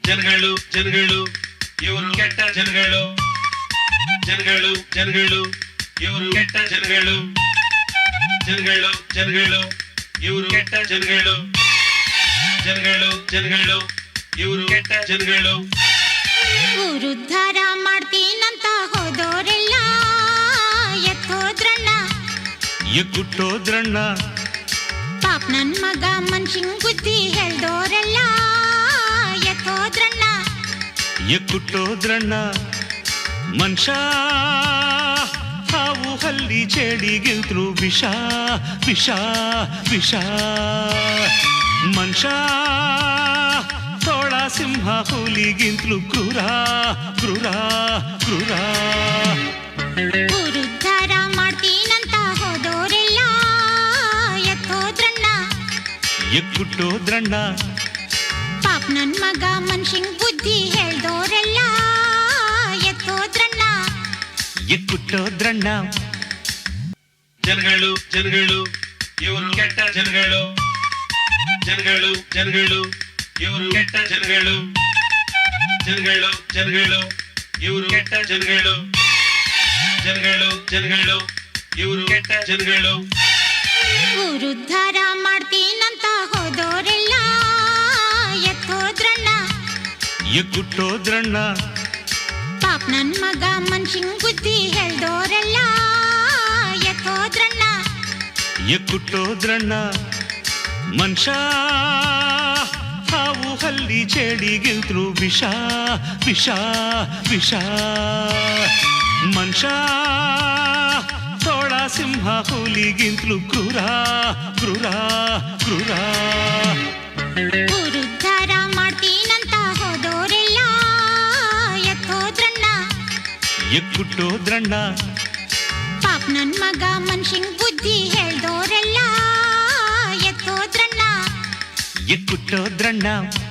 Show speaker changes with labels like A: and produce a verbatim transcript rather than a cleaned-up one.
A: ಜನಗಳು ಜನಗಳು ಇವರು ಕೆಟ್ಟ ಜನಗಳು ಜನಗಳು ಜನಗಳು ಇವರು ಕೆಟ್ಟ ಜನಗಳು ಜನಗಳು ಜನಗಳು ಇವರು ಕೆಟ್ಟ ಜನಗಳು ಜನಗಳು ಜನಗಳು ಇವರು ಕೆಟ್ಟ ಜನಗಳು
B: ಉದ್ಧಾರ ಮಾಡ್ತೀನಂತ ಹೋದೋರೆಲ್ಲ ಎತ್ತೋದ್ರಣ್ಣ
C: ಎಕ್ಕುಟ್ಟೋದ್ರಣ್ಣ
B: ಪಾಪ ನನ್ ಮಗ ಮನ್ಷಿಂಗ್ ಬುದ್ಧಿ ಹೇಳ್ದೋರೆಲ್ಲ ಎತ್ತೋದ್ರಣ್ಣ
C: ಎಕ್ಕುಟ್ಟೋದ್ರಣ್ಣ ಮನುಷ್ಯ ಹಾವು ಹಲ್ಲಿ ಚೇಡಿಗಿಲ್ದ್ರು ವಿಷ ವಿಷ ವಿಷ ಮನುಷ್ಯ ತೋಳ ಸಿಂಹ ಹುಲಿಗಿಂತಲೂ ಕ್ರೂರ ಕ್ರೂರ ಕ್ರೂರ
B: ಉದ್ಧಾರ ಮಾಡ್ತೀನಂತ ಹೋದೋರೆಲ್ಲ ಎತ್ತೋದ್ರಣ್ಣ
C: ಎಕ್ಕುಟ್ಟೋದ್ರಣ್ಣ
B: ಪಾಪ ನನ್ ಮಗ ಮನ್ಷಿಂಗ್ ಬುದ್ಧಿ ಹೇಳ್ದೋರೆಲ್ಲ ಎತ್ತೋದ್ರಣ್ಣ
C: ಎಕ್ಕುಟ್ಟೋದ್ರಣ್ಣ
A: ಜನಗಳು ಜನಗಳು ಇವರು ಕೆಟ್ಟ ಜನಗಳು ಜನಗಳು ಜನಗಳು ಇವರು ಕೆಟ್ಟ ಜನಗಳು ಜನಗಳು ಜನಗಳು ಇವರು ಕೆಟ್ಟ ಜನಗಳು ಜನಗಳು ಜನಗಳು ಇವರು ಕೆಟ್ಟ ಜನಗಳು
B: ಉದ್ಧಾರ ಮಾಡ್ತೀನಂತ ಹೋದೋರೆಲ್ಲ ಎತ್ತೋದ್ರಣ್ಣ
C: ಎಕ್ಕುಟ್ಟೋದ್ರಣ್ಣ
B: ಪಾಪ ನನ್ ಮಗ ಮನ್ಷಿಂಗ್ ಬುದ್ಧಿ ಹೇಳ್ದೋರೆಲ್ಲ ಎತ್ತೋದ್ರಣ್ಣ
C: ಎಕ್ಕುಟ್ಟೋದ್ರಣ್ಣ ಮನುಷ್ಯ ಹಾವು ಹಲ್ಲಿ ಚೇಡಿಗಿಲ್ದ್ರು ವಿಷ ವಿಷ ವಿಷ ಮನುಷ್ಯ ತೋಳ ಸಿಂಹ ಹುಲಿಗಿಂತಲೂ ಕ್ರೂರ ಕ್ರೂರ ಕ್ರೂರ
B: ಉದ್ಧಾರ ಮಾಡ್ತೀನಂತ ಹೋದೋರೆಲ್ಲ ಎತ್ತೋದ್ರಣ್ಣ
C: ಎಕ್ಕುಟ್ಟೋದ್ರಣ್ಣ
B: ಪಾಪ ನನ್ ಮಗ ಮನ್ಷಿಂಗ್ ಬುದ್ಧಿ ಹೇಳ್ದೋರೆಲ್ಲ ಎತ್ತೋದ್ರಣ್ಣ
C: ಎಕ್ಕುಟ್ಟೋದ್ರಣ್ಣ